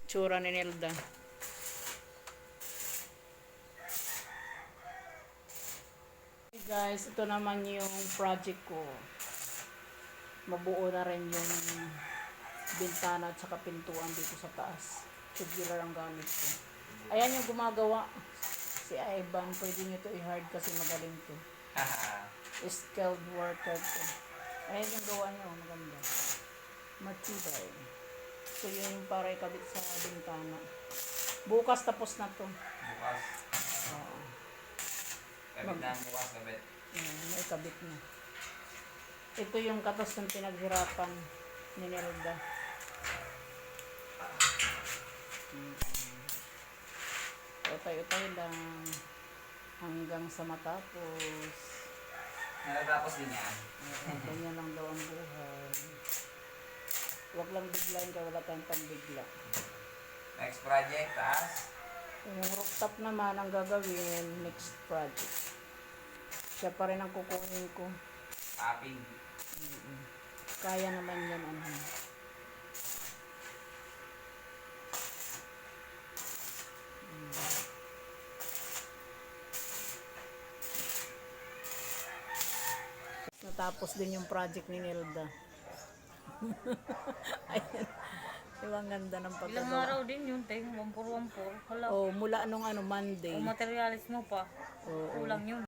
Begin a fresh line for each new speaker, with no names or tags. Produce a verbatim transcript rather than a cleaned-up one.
Tsura ni Nelda. Hey guys, ito naman yung project ko. Mabuo na rin yung bintana at saka pintuan dito sa taas. Tubular ang gamit ko. Ayan yung gumagawa. Si Ivan, pwede nyo to i-hard kasi magaling to. Skilled worker to. Ayan yung gawa niya, maganda. Matibay. So yun yung para ikabit sa bintana. Bukas tapos na to.
Bukas.
Oo.
Kabit na bukas, kabit.
Ayan, may kabit na. Ito yung katas ng pinaghirapan ni Nelda. Hmm. Utay-utay lang hanggang sa matapos.
Natatapos din yan.
Uh, ganyan lang daw ang buhay. Huwag lang biglain kaya wala tayong pambigla.
Next project, taas.
Yung rooftop naman ang gagawin, next project. Siya pa rin ang kukunin ko.
Topping.
Mm-mm. Kaya naman yan, ano. Mm. Natapos din yung project ni Nelda. Ayan. Yung ang ganda ng
Ilang
pagkagawa.
araw din yun, te. Wampur-wampur. Hala.
Oh, mula nung ano, Monday.
O materialis mo pa.
Oo.
Kulang yun.